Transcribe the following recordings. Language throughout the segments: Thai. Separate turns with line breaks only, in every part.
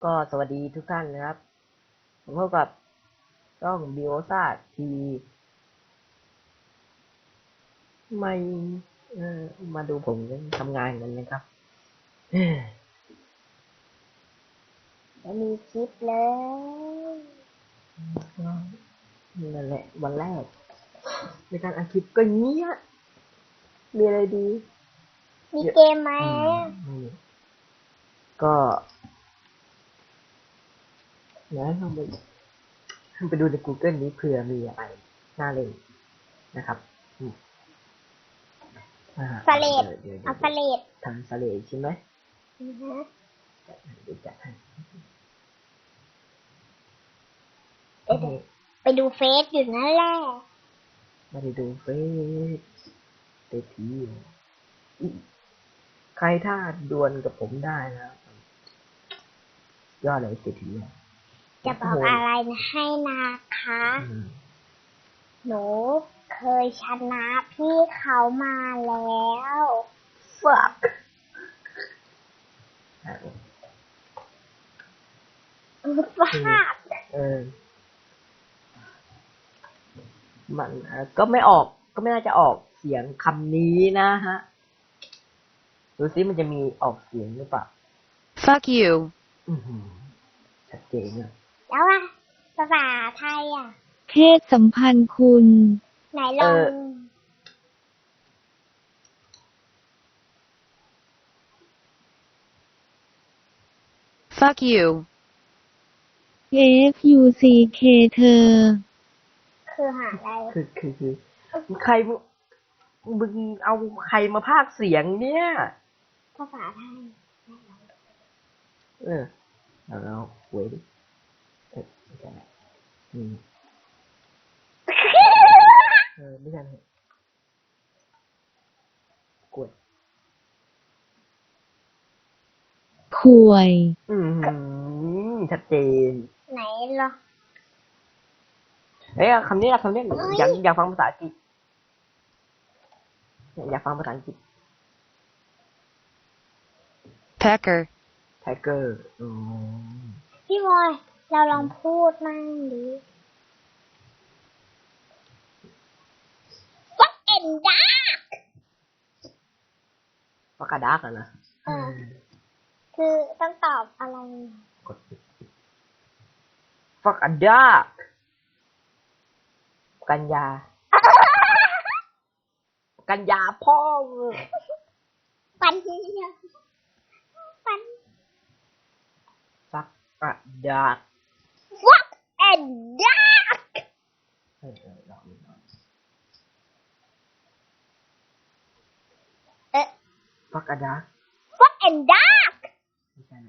ก็สวัสดีทุกท่านนะครับผมพบกับช่องบิโอซาทีวีไม่มาดูผมทำงานกันนะครับ
จะมีคลิปแล้ว
นั่นแหละวันแรกในการอัดคลิปก็เงี้ยมีอะไรดี
มีเกมไหม
ก็นะลองไปดูใน Google นี้เผื่อมีอะไรน่าเล่นนะครับ
สเลด
เดี๋ยว
เอาสเลด
ทำสเลดใช่ไหม
อือฮะ
เดี๋ยวจัดให้
เดี๋ยวไปดูเฟซอยู่นั่นแหละ
ไม่ได้ดูเฟซเตทีใครถ้าดวลกับผมได้นะยอดเลยเตที
จะบอกอะไรให้นะคะ หนูเคยชนะพี่เขามาแล้ว
fuck
ฟาด
มันก็ไม่ออกก็ไม่น่าจะออกเสียงคำนี้นะฮะดูซิมันจะมีออกเสียงหรือเปล่า
Fuck you
ชัดเจนเลย
แล้วอะภาษาไทยอะ
เพศสัมพันธ์คุณ
ไหนลอง
Fuck you
FUCK เธอ
คือหาอะไร
คือใครมึงเอาใครมาพากย์เสียงเนี่ย
ภาษาไทย
แล้วเว้ยไม่ใช่ไม่ใช่กด
ข่วย
ชัดเจน
ไหนลอง
คำนี้อยากฟังภาษาอังกฤษอยากฟังภาษาอังกฤษ
Pecker
Tiger
พี่บอยเราลองพูดมั่งดิ Fuck and dark
ฟักกาดักนะ
คือต้องตอบอะไร
กดฟักกาดักกันยาพ่อ
ปันปัน
ฟักกาดัก
Fuck and dark
ลองฟักกาดัก
Fuck and dark
ไม่ใช่นะ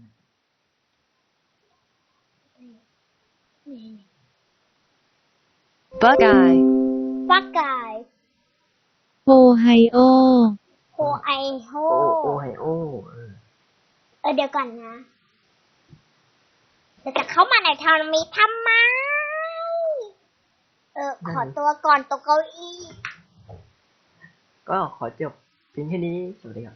Bug eye
Fuck guy
โอไฮโอ
โฮไอโฮ
โอไฮโอ
เดี๋ยวก่อนนะเราจะเข้ามาในทอร์นาเมนต์ทำไม ขอตัวก่อนตกเก้าอี้
ก็ขอจบเพียงแค่นี้สวัสดีครับ